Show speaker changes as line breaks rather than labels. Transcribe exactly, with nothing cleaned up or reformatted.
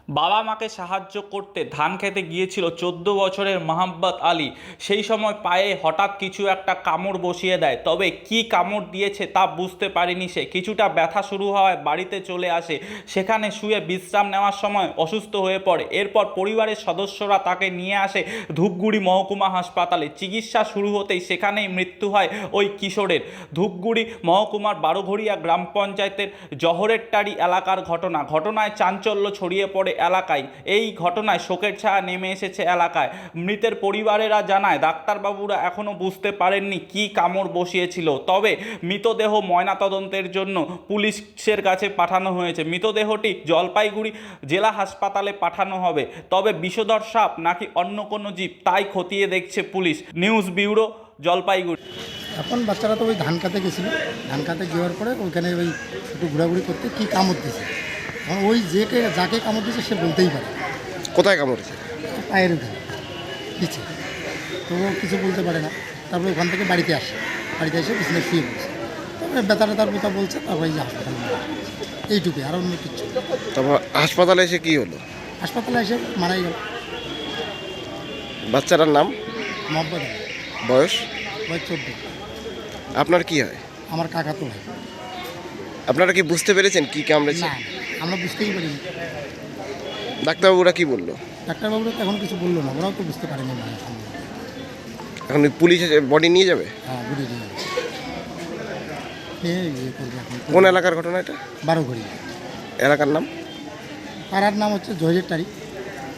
বাবা মাকে সাহায্য করতে ধান খেতে গিয়েছিল চোদ্দ বছরের মোহাম্মদ আলী। সেই সময় পায়ে হঠাৎ কিছু একটা কামড় বসিয়ে দেয়, তবে কি কামড় দিয়েছে তা বুঝতে পারেনি সে। কিছুটা ব্যথা শুরু হওয়ায় বাড়িতে চলে আসে। সেখানে শুয়ে বিশ্রাম নেওয়ার সময় অসুস্থ হয়ে পড়ে। এরপর পরিবারের সদস্যরা তাকে নিয়ে আসে ধূপগুড়ি মহকুমা হাসপাতালে। চিকিৎসা শুরু হতেই সেখানেই মৃত্যু হয় ওই কিশোরের। ধূপগুড়ি মহকুমার বারোঘড়িয়া গ্রাম পঞ্চায়েতের জহরেরটারি এলাকার ঘটনা। ঘটনায় চাঞ্চল্য ছড়িয়ে পড়ে এলাকায়। এই ঘটনায় শোকের ছায়া নেমে এসেছে এলাকায়। মৃতের পরিবারেরা জানায় ডাক্তারবাবুরা এখনও বুঝতে পারেননি কী কামড় বসিয়েছিল। তবে মৃতদেহ ময়নাতদন্তের জন্য পুলিশের কাছে পাঠানো হয়েছে। মৃতদেহটি জলপাইগুড়ি জেলা হাসপাতালে পাঠানো হবে। তবে বিষধর সাপ নাকি অন্য কোনো জীব তাই খতিয়ে দেখছে পুলিশ। News bureau, Jalpaiguri.
এখন বাচ্চারা তো ওই ধান কাতে গেছিলো, ধান কাতে যাওয়ার পরে ওইখানে ওই একটু ঘোরাঘুরি করতে কী কামড় দিয়েছে। এখন ওই যে যাকে কামড় দিয়েছে সে বলতেই পারে
কোথায় কামড়েছে?
পায়ের ওখানে পিছে, তো ও কিছু বলতে পারে না। তারপরে ওখান থেকে বাড়িতে আসে, বাড়িতে এসে পিছনে শুয়ে বলছে, তারপরে ব্যথাটা তার কথা বলছে, তারপরে এই যে হাসপাতালে নিয়ে আসে। এইটুকুই, আর অন্য কিচ্ছু।
তারপর হাসপাতালে এসে কি হলো?
হাসপাতালে এসে মারাই গেল।
বাচ্চাটার নাম?
মহব্বত আলী,
বয়স?
বয়স চোদ্দ।
আপনার কি হয়?
আমার কাকা তো ভাই।
আপনারা কি বুঝতে পেরেছেন কি কামড়েছে?
না, আমরা বুঝতেই পারিনি।
ডাক্তারবাবুরা কি বললো?
ডাক্তারবাবুরা তো এখন কিছু বললো না, ওরাও তো বুঝতে পারেনি।
এখন পুলিশ বডি নিয়ে যাবে?
হ্যাঁ, বুঝে দিয়ে নিয়ে ইয়ে করবে এখন।
কোন এলাকার ঘটনা এটা?
বারোঘড়িয়া
এলাকার নাম?
পাড়ার নাম হচ্ছে জহিরের টারি।